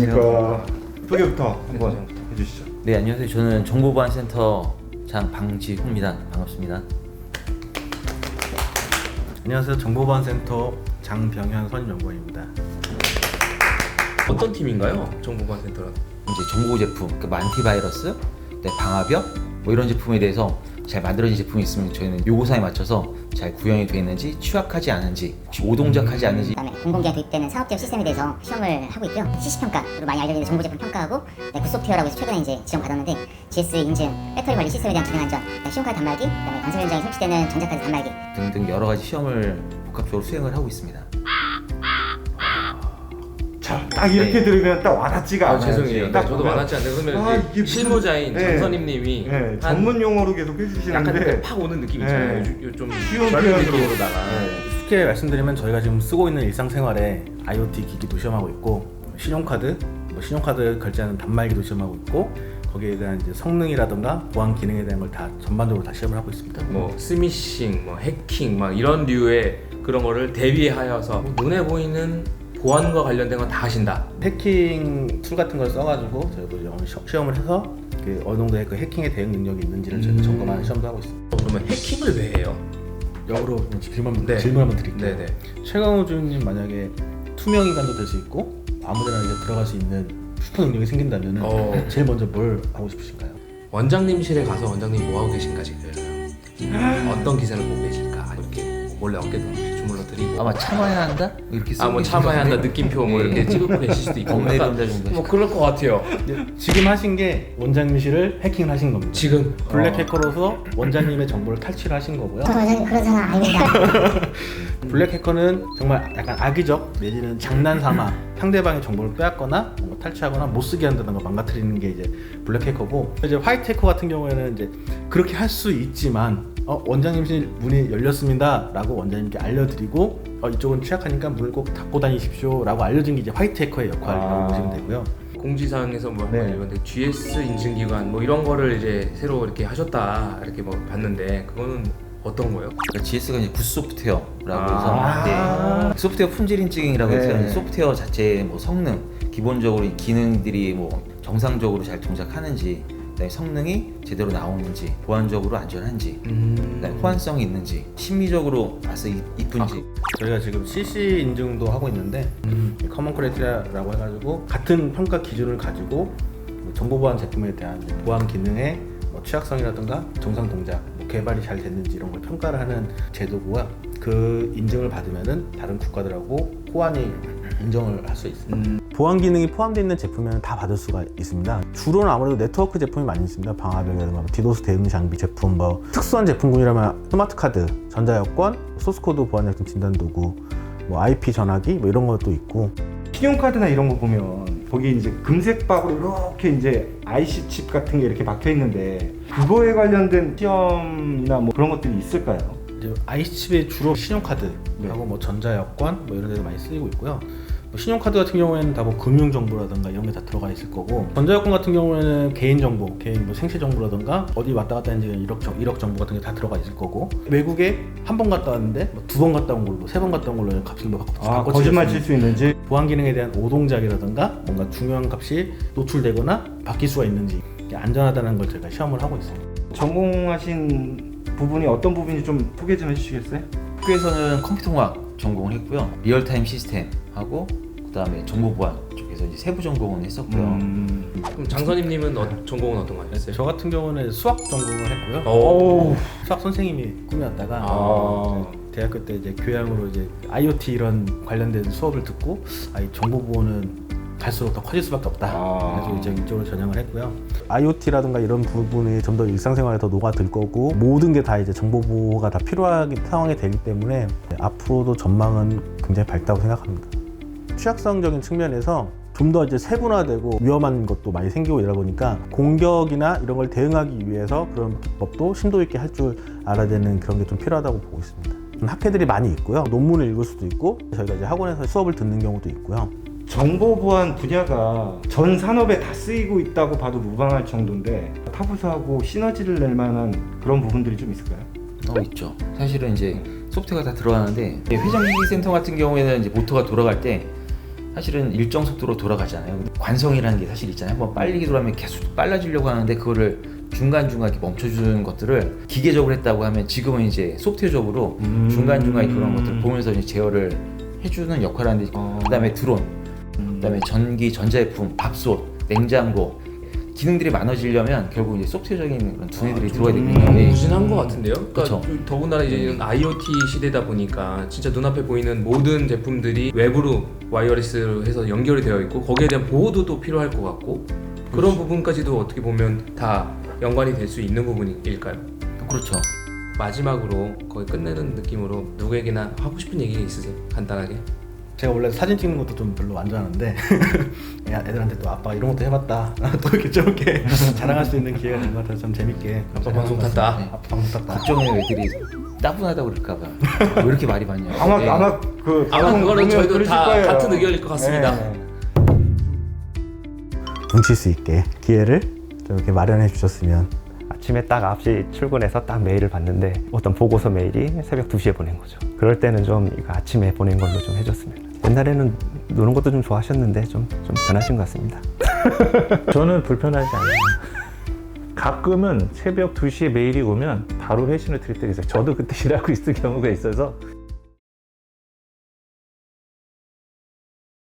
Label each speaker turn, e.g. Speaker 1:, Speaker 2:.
Speaker 1: 안녕하십니까. 소개부터 한번 해주시죠.
Speaker 2: 네, 안녕하세요. 저는 정보보안센터 장방지훈입니다. 반갑습니다.
Speaker 3: 안녕하세요. 정보보안센터 장병현 선임연구원입니다.
Speaker 4: 어떤 팀인가요? 정보보안센터는?
Speaker 2: 이제 정보 제품, 그러니까 안티바이러스, 방화벽 뭐 이런 제품에 대해서 잘 만들어진 제품이 있으면 저희는 요구사에 맞춰서 잘 구현이 되어 있는지, 취약하지 않은지, 혹시 오동작하지 않은지.
Speaker 5: 그다음에 공공기관 도입되는 산업적 시스템에 대해서 시험을 하고 있고요. CC평가로 많이 알려진 정보 제품 평가하고 굿소프트웨어라고 해서 최근에 이제 지정받았는데 GS 인증, 배터리 관리 시스템에 대한 기능 안전, 신용카드 단말기, 그다음에 건설 현장에 설치되는 전자카드 단말기
Speaker 2: 등등 여러 가지 시험을 복합적으로 수행을 하고 있습니다.
Speaker 1: 자, 딱 이렇게 들으면 딱 와닿지가 않아요.
Speaker 4: 죄송해요.
Speaker 1: 딱
Speaker 4: 저도
Speaker 1: 보면
Speaker 4: 와닿지 않는데 그러면
Speaker 1: 이게 무슨-
Speaker 4: 실무자인
Speaker 1: 네.
Speaker 4: 정선임님이
Speaker 1: 네, 전문 용어로 계속
Speaker 4: 약간
Speaker 1: 해주시는데
Speaker 4: 팍 오는 느낌이 있잖아요. 좀
Speaker 1: 쉬운
Speaker 4: 젊은
Speaker 1: 표현으로.
Speaker 4: 느낌으로다가
Speaker 3: 쉽게 말씀드리면 저희가 지금 쓰고 있는 일상생활에 IoT 기기도 시험하고 있고 신용카드, 신용카드 결제하는 단말기도 시험하고 있고 거기에 대한 이제 성능이라든가 보안 기능에 대한 걸 다 전반적으로 다 시험을 하고 있습니다.
Speaker 4: 뭐 스미싱, 뭐 해킹, 막 이런 류의 그런 거를 대비하여서 눈에 보이는 보안과 관련된 건 다 하신다.
Speaker 3: 해킹 툴 같은 걸 써가지고 저희도 시험을 해서 그 어느 정도의 그 해킹에 대응 능력이 있는지를 저희가 점검하는 시험도 하고 있습니다.
Speaker 4: 그러면 해킹을 왜 해요?
Speaker 3: 역으로 질문
Speaker 4: 네.
Speaker 3: 한번 드릴게요.
Speaker 4: 네네.
Speaker 3: 최강호 주임님 만약에 투명 인간도 될 수 있고 아무데나 이제 들어갈 수 있는 슈퍼 능력이 생긴다면 제일 먼저 뭘 하고 싶으신가요?
Speaker 4: 원장님실에 가서 원장님 뭐 하고 계신가 지금 어떤 기사를 보고 계실까 이렇게 몰래 어깨동 주물러 드리고
Speaker 2: 아마 참아야 한다? 이렇게 쓰고
Speaker 4: 뭐
Speaker 2: 계신
Speaker 4: 참아야 한다
Speaker 2: 건데.
Speaker 4: 느낌표 뭐 이렇게 찍고 계실 수도 있고
Speaker 2: 범죄
Speaker 4: 약간
Speaker 2: 범죄 정도
Speaker 4: 뭐 그럴 것 같아요.
Speaker 3: 지금 하신 게 원장님실을 해킹을 하신 겁니다.
Speaker 4: 지금
Speaker 3: 블랙 해커로서 원장님의 정보를 탈취를 하신 거고요.
Speaker 5: 저는 그런 사람 아닙니다.
Speaker 3: 블랙 해커는 정말 약간 악의적 내지는 장난삼아 상대방의 정보를 빼앗거나 뭔가 탈취하거나 못 쓰게 한다는 걸 망가뜨리는 게 이제 블랙 해커고, 이제 화이트 해커 같은 경우에는 이제 그렇게 할 수 있지만 원장님실 문이 열렸습니다라고 원장님께 알려드리고 이쪽은 취약하니까 문을 꼭 닫고 다니십시오 라고 알려준 게 이제 화이트 해커의 역할이라고 보시면 되고요.
Speaker 4: 공지사항에서 뭐
Speaker 3: 네.
Speaker 4: 이런데 GS 인증기관 뭐 이런 거를 이제 새로 이렇게 하셨다 이렇게 뭐 봤는데 그거는 어떤 거예요?
Speaker 2: 그러니까 GS가 이제 굿소프트웨어라고
Speaker 1: 아.
Speaker 2: 해서 소프트웨어 품질 인증이라고 해서
Speaker 1: 네.
Speaker 2: 소프트웨어 자체의 뭐 성능, 기본적으로 이 기능들이 뭐 정상적으로 잘 동작하는지, 그다음에 성능이 제대로 나오는지, 보안적으로 안전한지, 그다음에 호환성이 있는지, 심미적으로 봐서 이쁜지.
Speaker 3: 저희가 지금 CC 인증도 하고 있는데 커먼 크라이테리아라고 해가지고 같은 평가 기준을 가지고 정보보안 제품에 대한 이제 보안 기능의 뭐 취약성이라든가 정상 동작, 뭐 개발이 잘 됐는지 이런 걸 평가를 하는 제도고요. 그 인증을 받으면은 다른 국가들하고 호환이 인정을 할 수 있습니다. 보안 기능이 포함되어 있는 제품에는 다 받을 수가 있습니다. 주로는 아무래도 네트워크 제품이 많이 있습니다. 방화벽이라든가 디도스 대응 장비 제품, 뭐 특수한 제품군이라면 스마트 카드, 전자여권, 소스코드 보안약품 진단 도구, 뭐 IP 전화기 뭐 이런 것도 있고.
Speaker 1: 신용카드나 이런 거 보면 거기 이제 금색박으로 이렇게 이제 IC 칩 같은 게 이렇게 박혀 있는데 그거에 관련된 시험이나 뭐 그런 것들이 있을까요?
Speaker 3: 이제 IC칩에 주로 신용카드하고 뭐 전자여권 뭐 이런 데도 많이 쓰이고 있고요. 뭐 신용카드 같은 경우에는 다 뭐 금융정보라든가 이런 게 다 들어가 있을 거고, 전자여권 같은 경우에는 개인정보, 개인 뭐 생체정보라든가 어디 왔다 갔다 했는지 이력 정보 같은 게 다 들어가 있을 거고, 외국에 한 번 갔다 왔는데 뭐 두 번 갔다 온 걸로, 세 번 갔다 온 걸로 값을 뭐 바꿔
Speaker 1: 거짓말 칠 수 있는지.
Speaker 3: 보안 기능에 대한 오동작이라든가 뭔가 중요한 값이 노출되거나 바뀔 수가 있는지 안전하다는 걸 저희가 시험을 하고 있습니다.
Speaker 1: 전공하신 부분이 어떤 부분인지 좀 소개 좀 해주시겠어요?
Speaker 2: 학교에서는 컴퓨터공학 전공을 했고요. 리얼타임 시스템 하고 그다음에 정보보안 쪽에서 이제 세부 전공을 했었고요.
Speaker 4: 그럼 장선임님은 전공은 어떤 거 하셨어요?
Speaker 3: 저 같은 경우는 수학 전공을 했고요.
Speaker 1: 오.
Speaker 3: 수학 선생님이 꿈이었다가
Speaker 1: 아.
Speaker 3: 대학교 때 이제 교양으로 이제 IoT 이런 관련된 수업을 듣고 이 정보보호는 갈수록 더 커질 수밖에 없다. 그래서 이제 이쪽으로 전향을 했고요. IoT라든가 이런 부분이 좀 더 일상생활에 더 녹아들 거고, 모든 게 다 이제 정보보호가 다 필요한 상황이 되기 때문에 앞으로도 전망은 굉장히 밝다고 생각합니다. 취약성적인 측면에서 좀 더 이제 세분화되고 위험한 것도 많이 생기고 이러다 보니까 공격이나 이런 걸 대응하기 위해서 그런 기법도 심도 있게 할 줄 알아야 되는 그런 게 좀 필요하다고 보고 있습니다. 학회들이 많이 있고요. 논문을 읽을 수도 있고, 저희가 이제 학원에서 수업을 듣는 경우도 있고요.
Speaker 1: 정보보안 분야가 전 산업에 다 쓰이고 있다고 봐도 무방할 정도인데 타부서하고 시너지를 낼 만한 그런 부분들이 좀 있을까요?
Speaker 2: 있죠. 사실은 이제 소프트웨어가 다 들어가는데 회전기기 센터 같은 경우에는 이제 모터가 돌아갈 때 사실은 일정 속도로 돌아가잖아요. 관성이라는 게 사실 있잖아요. 한번 빨리 돌아가면 계속 빨라지려고 하는데 그거를 중간중간 이렇게 멈춰주는 것들을 기계적으로 했다고 하면 지금은 이제 소프트웨어적으로 중간중간 그런 것들을 보면서 이제 제어를 해주는 역할을 하는데 그다음에 드론, 그다음에 전기, 전자제품, 밥솥, 냉장고 기능들이 많아지려면 결국 이제 소프트웨어적인 그런 두뇌들이 들어가야 되거든요. 예.
Speaker 4: 무진한 것 같은데요? 그러니까
Speaker 2: 그쵸.
Speaker 4: 더군다나 이제 이런 IoT 시대다 보니까 진짜 눈앞에 보이는 모든 제품들이 외부로 와이어리스로 해서 연결이 되어 있고 거기에 대한 보호도 또 필요할 것 같고 그런 부분까지도 어떻게 보면 다 연관이 될 수 있는 부분일까요?
Speaker 2: 그렇죠.
Speaker 4: 마지막으로 거의 끝내는 느낌으로 누구에게나 하고 싶은 얘기 있으세요? 간단하게.
Speaker 3: 제가 원래 사진 찍는 것도 좀 별로 안 좋아하는데 애들한테 또 아빠 이런 것도 해봤다 또 이렇게 저렇게 자랑할 수 있는 기회가 된 것 같아서 참 재밌게
Speaker 4: 아빠 방송 탔다.
Speaker 3: 아빠 방송 탔다.
Speaker 2: 걱정해요. 애들이 따분하다고 그럴까봐. 왜 이렇게 말이 많냐. 예.
Speaker 1: 아마
Speaker 4: 그거는
Speaker 1: 보면
Speaker 4: 저희도
Speaker 1: 그러실
Speaker 4: 다
Speaker 1: 거예요.
Speaker 4: 같은 의견일 것 같습니다.
Speaker 1: 네.
Speaker 3: 뭉칠 수 있게 기회를 이렇게 마련해 주셨으면.
Speaker 6: 아침에 딱 9시 출근해서 딱 메일을 봤는데 어떤 보고서 메일이 새벽 2시에 보낸 거죠. 그럴 때는 좀 이거 아침에 보낸 걸로 좀 해줬으면. 옛날에는 노는 것도 좀 좋아하셨는데 좀 변하신 것 같습니다.
Speaker 7: 저는 불편하지 않아요. 가끔은 새벽 2시에 메일이 오면 바로 회신을 드릴 때가 있어요. 저도 그때 일하고 있을 경우가 있어서